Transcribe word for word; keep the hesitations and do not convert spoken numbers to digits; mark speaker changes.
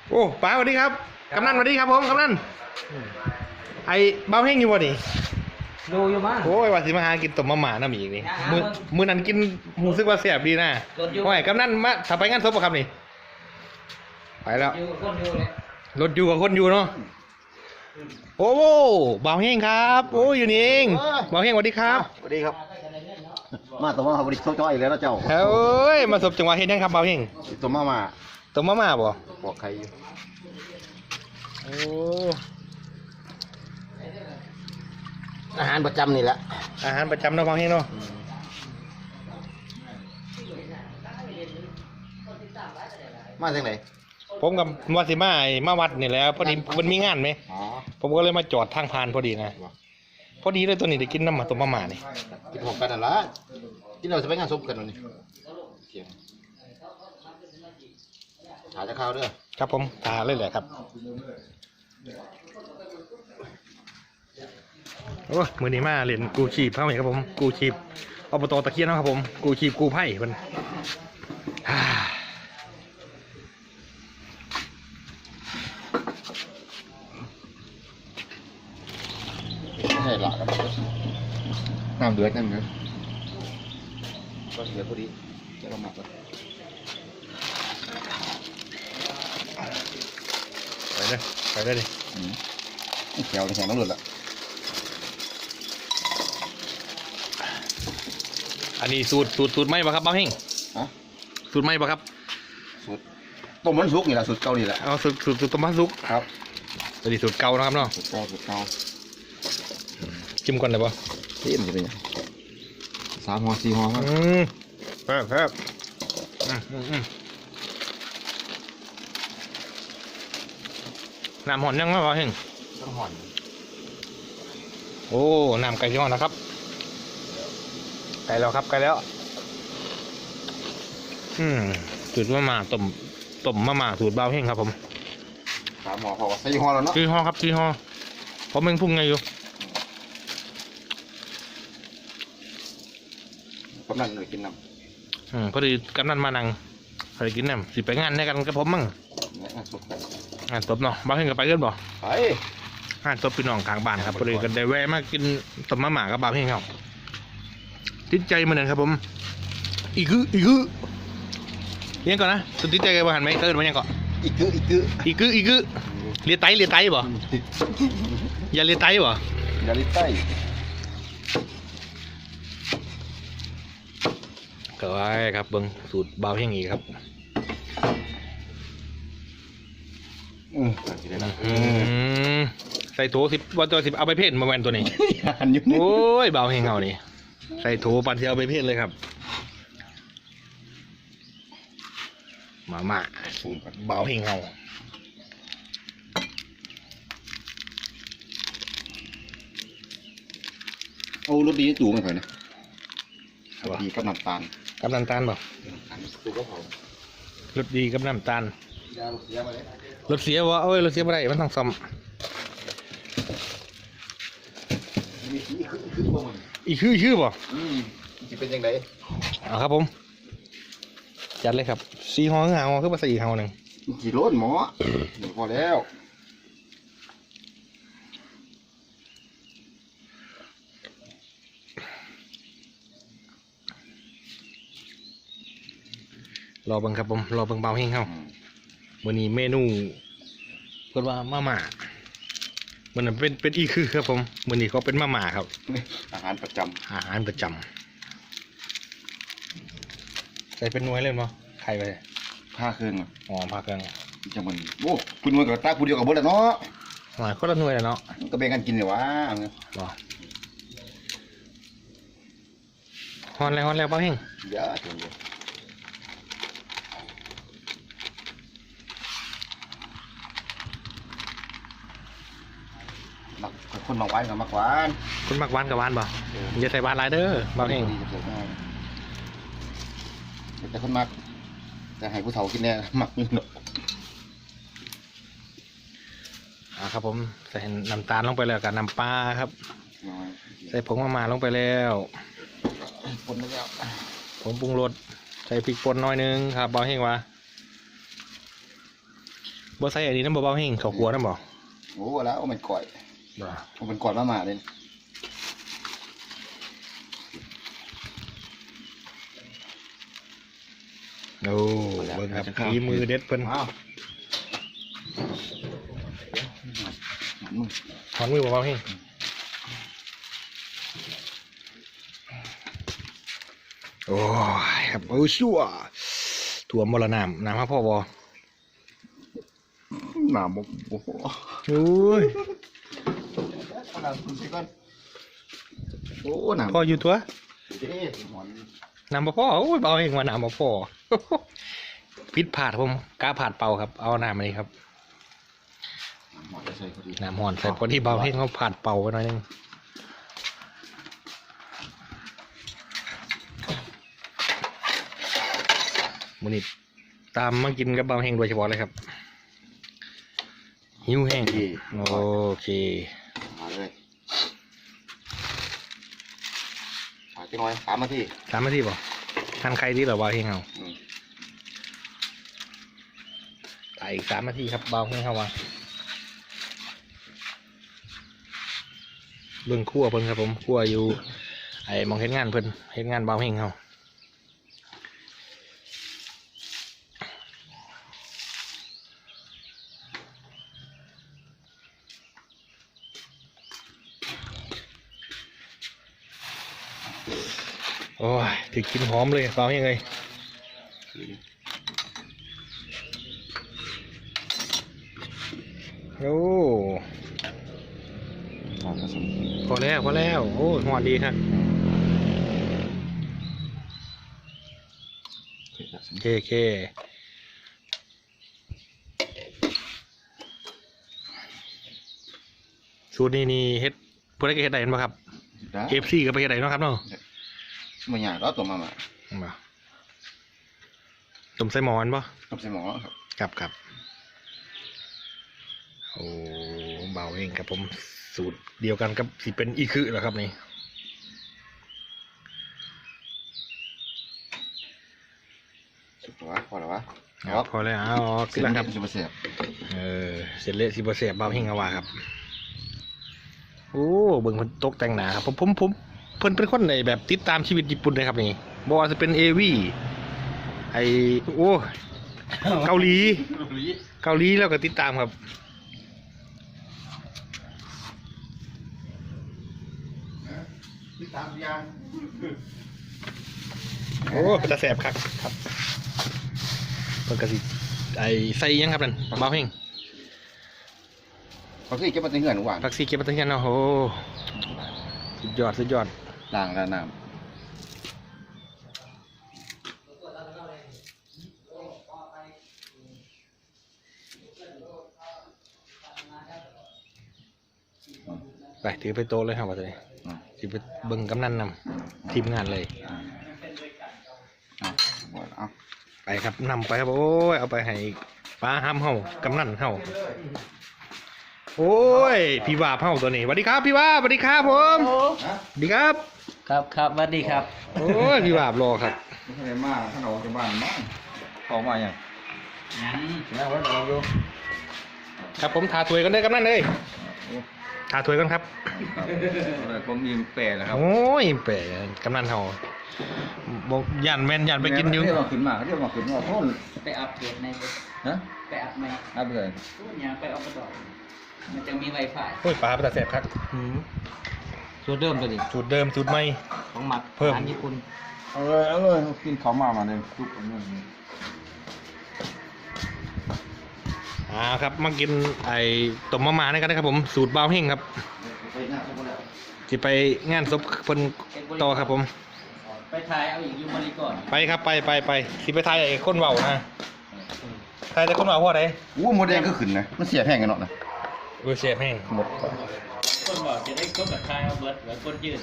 Speaker 1: โอ้ป๋าสวัสดีครับกำนันสวัสดีครับผมกำนันไอ้เบ้าแห้งอยู่บ่นี่
Speaker 2: ดูอยู่บ้าง
Speaker 1: โอ้ยว่าสิมาหากินต้มมะหม่าน้ำอีกนี่มือมือนั้นกินรู้สึกว่าแซ่บดีนะโอ้ยกำนันมาถ้าไปงานศพบ่ครับนี่ไปแล้วรถอยู่กับคนอยู่เนาะโอ้เบ้าแห้งครับโอ้อยู่นี่เองเบ้าแห้งสวัสดีครับ
Speaker 3: สวัสดีครับมาตัวมาบริสุทธิ์จ้อยแล้วนะเจ้า
Speaker 1: เอ้ยมาศพจังหวะเฮ็ดยังครับเบ้าแห้ง
Speaker 3: ตัวมามา
Speaker 1: ต้มมะหม่าบ่
Speaker 3: บอกใครอยู่
Speaker 1: โอ้
Speaker 3: อาหารประจำนี่แหละ
Speaker 1: อาหารประจำเนาะเบ้าแห้งเนาะ
Speaker 3: มาจากไหน
Speaker 1: ผมกับมาสิมาไอ้มาวัดนี่แหล้วพอดีมันมีงานไหมผมก็เลยมาจอดทางผ่านพอดีนะพอดีเลยตัวนี้ได้กินน้ำมาต้มมะม่านี่
Speaker 3: กินของกันนั่นละกินเราจะไปงานศพกันนี่เสียงหาจะข้าวด้วย
Speaker 1: ครับผมตาเลยแหละครับโอ้มือนี้มาเล่นกูชีพเข้าไหมครับผมกูชีพอบตตะเคียนนะครับผมกูชีพกูไพ่มัน
Speaker 3: ไม่ใช่หลักน้ำเดือดนั่นเนอะก็เดือดพอดีจะลงมาก่อน
Speaker 1: ไปเลยไปเลยดิ
Speaker 3: แถวแถวน้ำหลุดละ
Speaker 1: อันนี้สูตรสูตรสูตรไหมบ่ครับบ้าเฮงสูตรไหมบ่ครับ
Speaker 3: สูตรต้มมันสุกนี่แหละสูตรเก่านี่แหละ
Speaker 1: เอาสูตรสูตรสูตรต้มมันสุก
Speaker 3: ครับ
Speaker 1: อันนี้สูตรเก่านะครับเนาะ
Speaker 3: สูตรเก่าสูตรเก่า
Speaker 1: จิ้มก่อนเลยป่ะ
Speaker 3: จิ้มจะเป็นยังสามหัวสี่หัวครับ
Speaker 1: อืมแซ่บแซ่บอืมอืมน้ำหอนยังไงบ้าเฮง
Speaker 3: ต้องห่อน
Speaker 1: โอ้น้ำไก่ที่หอนนะครับไก่แล้วครับไก่แล้วอืมสูตรมะม่าต้มต้มมะม่าสูตรบ้าเฮงครับผม
Speaker 3: สามหัวพอสี่หัวแล้วเนาะ
Speaker 1: สี่หัวครับสี่หัวผมเองพุ่งไงอยู่
Speaker 3: กำลังหน่อยกินน้
Speaker 1: ำอืมพอดีกำนันมานั่งพอดีกินน้ำสิไปงานในกันกับผมมั่งงานตบเนาะบ้าเฮงกับไปเกินบ่
Speaker 3: ไป
Speaker 1: งานตบพี่น้องข้างบ้านครับพอดีกันได้แวะมากินต้มมะม่ากับบ้าเฮงครับติดใจมันเลยครับผมอีกคืออีกคือยังก่อนนะสุดติดใจกันบ้านไหมเติร์ดมันยังก่อน
Speaker 3: อีกคืออีกคือ
Speaker 1: อีกคืออีกคือเลียไตเลียไตบ่อย่าเลียไตบ่
Speaker 3: อย่าเลียไต
Speaker 1: ก็ไว้ครับเบิ้งสูตรเบาเฮงอีกครับ
Speaker 3: อืม
Speaker 1: ใส่โถสิบวันตัวสิบเอาไปเพ่นมาแวนตัวนี้โอ้ยเบาเฮงเอานี่ใส่โถปันเทียวไปเพ่นเลยครับมาม่าเบาเฮงเอา
Speaker 3: เอารถดีจูงไปนะดีกับน้ำตาล
Speaker 1: กับน้ำตาลบ่
Speaker 3: จูก็พอ
Speaker 1: รถดีกับน้ำตาล
Speaker 3: ยารถเสียมาเลย
Speaker 1: รถเสียวะเอ้ยรถเสียมาได้มันต้องซ่อมอีกคือชื่อบ่
Speaker 3: อืมจะเป็นยังไง
Speaker 1: เอาครับผมจัดเลยครับสี่ห้องหางคือภาษาอีกห้องหนึ่ง
Speaker 3: กี่รถหมอพอแล้ว
Speaker 1: รอเบิ่งครับผมรอเบิ่งเบาเฮงเข้าวันนี้เมนูเพิ่นว่ามาม่ามันเป็นเป็นอีคือครับผมวันนี้เขาเป็นมาม่าครับ
Speaker 3: อาหารประจำ
Speaker 1: อาหารประจำใส่เป็นหน่วยเลยมั้ยใครไป
Speaker 3: ผ้าเครื่อง
Speaker 1: อ๋อผ้าเครื่อง
Speaker 3: จะมันโอ้คุณหน่วยกับตาคุณเดียวกับเบิร์ดเนาะ
Speaker 1: หน่วยคนละหน่วยเนาะ
Speaker 3: ก็แบ่งกันกินเลยวะ
Speaker 1: บ่ฮอนแล้วฮอนแล้วเบาเฮง
Speaker 3: เยอะจังเลยคนมักหวานกับมักหวาน
Speaker 1: คนมักหวานกับหวานบ่อย่าใส่หวานหลายเด้อเบาเฮง
Speaker 3: แต่คนมักแต่ให้ผู้เฒ่ากินแน่มักอยู่เนาะ
Speaker 1: อ่าครับผมใส่น้ำตาลลงไปแล้วกับน้ำปลาครับใส่ผงมะม่าลงไปแล้ว
Speaker 3: ผงแล้ว
Speaker 1: ผงปรุงรสใส่พริกป่นน้อยนึงครับเบาเฮงวะบ่ใส่อันนี้น้ำเบาๆแห้งเขาครัวน้ำบ่
Speaker 3: โอ้แล้วเอามันก่อย
Speaker 1: บ่
Speaker 3: เอามันก่อยมาหมาเลย
Speaker 1: โอ้เบิ่งครับฝีมือเด็ดเพิ่น
Speaker 3: อ้าวหันมือ
Speaker 1: ถอนมือเบาๆแห้งโอ้ยครับโอ้ชั่วถั่วมรณะน้ำครับพ่อบ่
Speaker 3: หนาบกโอ้โห
Speaker 1: โอ้ย
Speaker 3: หนาคุณสิก่อนโอ้หนา
Speaker 1: พ่ออยู่ตัว
Speaker 3: เอ๊ะหอน
Speaker 1: น้ำบ่พ่อโอ้ยเบาเองว่าน้ำบ่พ่อ พิษผาดผมกล้าผาดเป่าครับเอาน้ำมานี่ครับ
Speaker 3: หอนจะใส่พอดี
Speaker 1: น้ำห่อนใส่พอดีเบาเองเขาผาดเป่าไปหน่อยนึงมื้อนี้ตามมากินกับเบาแห้งโดยเฉพาะเลยครับหิวแห้งโอเค
Speaker 3: มาเลยมาจังหน่อยสามนาที
Speaker 1: สามนาทีป่ะทานใครที่เหรอเบาแห้งเอา
Speaker 3: อืม
Speaker 1: ถ่ายอีกสามนาทีครับเบาแห้งเข้ามาเบิ่งคั่วเพิ่นครับผมคั่วอยู่ไอ้มองเห็นงานเพิ่นเห็นงานเบาแห้งเขาโอ้ยถึงกินหอมเลยเบาแห้งเลยโอ้
Speaker 3: หอนผสม
Speaker 1: พอแล้วพอแล้วโอ้ยหอมดีครับ
Speaker 3: เผ็ดผสม
Speaker 1: โอเคโอเคสูตรนี้นี่เฮ็ดเพื่อนก็เฮ็ดได้เห็นป่ะครับ
Speaker 3: ได้
Speaker 1: เอฟซีก็ไปเฮ็ดได้เนาะครับเนาะ
Speaker 3: มันใหญ่ก็ตัวมามา
Speaker 1: มาต้มใส่หมอนป่ะ
Speaker 3: ต้มใส่หม้อครับ
Speaker 1: ครับครับโอ้เบาเองครับผมสูตรเดียวกันกับสิเป็นอีคือเหรอครับนี่
Speaker 3: สุดตัวพอแล้ววะ
Speaker 1: เอาพอแล้วเอาออก
Speaker 3: เส
Speaker 1: ขึ้
Speaker 3: ร็
Speaker 1: น
Speaker 3: จ
Speaker 1: แล้ว
Speaker 3: แล้
Speaker 1: คว รับ
Speaker 3: จะมาเสียบ
Speaker 1: เออเสร็จเละสิบเสียบเบาเฮงเอาว่าครับโอ้เบิ่งเพิ่นตกแต่งหนาครับผมผมผมเพิ่นเป็นคนในแบบติดตามชีวิตญี่ปุ่นเลยครับนี่บ่ว่าจะเป็นเอวีไอโอ้เกาหลีเกาหลีแล้วก็ติดตามครับ
Speaker 3: ติดตามยาง
Speaker 1: โอ้เป็นตาแสบครับครับเพิ่นก็สิไอใส่หยังครับนั่นเบาเฮง
Speaker 3: เขาที่เก็บมาตั้งเงินหวาน
Speaker 1: ผักซีเก็บมาตั้งยันเนาะโอ้สุดยอดสุดยอด
Speaker 3: ล้างแล้วน้ำ
Speaker 1: ไปถือไปโตะเลยครับว่าจะได้
Speaker 3: อ่า
Speaker 1: สิไปเบิ่งกำนันนำทีมงานเลย
Speaker 3: อ่าเอาหมดเอา
Speaker 1: ไปครับนำไปครับโอ้ยเอาไปให้ป้าห้ำเฮากำนันเฮาโอ้ยพี่วาบเฮาตัวนี้สวัสดีครับพี่วาบสวัสดีครับผมสวัสดีครับ
Speaker 2: ครับครับสวัสดีครับ
Speaker 1: โอ้ยพี่วาบรอครับ
Speaker 3: ไม่ใช่มากถ้าเราจะบ้านมั้งขอมาอย่าง
Speaker 2: ยัง
Speaker 3: แม่ว่าเราดู
Speaker 1: ครับผมทาถวยกันเลยกำนันเลยทาถวยกันครับ
Speaker 3: เลยผมมีแปรแล้วครับ
Speaker 1: โอ้ยเป๋กำนันเฮาบอกยันแม่นยันไปกินอยู่
Speaker 3: เรียกมาขึ้นมาเรียกมาขึ้นมาโทษ
Speaker 2: ไปอัปเดตในเว็บ
Speaker 3: ฮะ
Speaker 2: ไปอัปไหม
Speaker 3: อัพเลย
Speaker 2: พูดยังไปอัปดอกมันจะมีไวไฟ
Speaker 1: โอ้ยปลาเป็นตาแสบครับ
Speaker 2: สูตรเดิมตัวนี้
Speaker 1: สูตรเดิมสูตรใหม่
Speaker 2: ของหมัก
Speaker 1: เพิ่ม
Speaker 2: อาหารญี่ปุ่น
Speaker 3: เอาเลยเอาเลยกินเขามามาเนี่ยทุกคนเนี่ย
Speaker 1: อ่าครับมากินไอ้ต้มมะม่าด้วยกันนะครับผมสูตรเบาเฮงครับ
Speaker 3: ไปหน้าทุกคนแล้ว
Speaker 1: จะไปงานศพเพิ่นต่อครับผม
Speaker 2: ไปทายเอาอีกยูมาริก่อน
Speaker 1: ไปครับไปไปไปสิไปทายไอ้คนเบานะทายแต่คนเบาเพราะอะไร
Speaker 3: อู้โมเดลก็ขึ้นนะมันเสียแพงกันเนาะนะ
Speaker 1: เวอร์เสียบแห้ง
Speaker 3: หมด
Speaker 2: คนบอกจะได้ก้นแบบทายเอาเบิร์ดหรือก้นยืด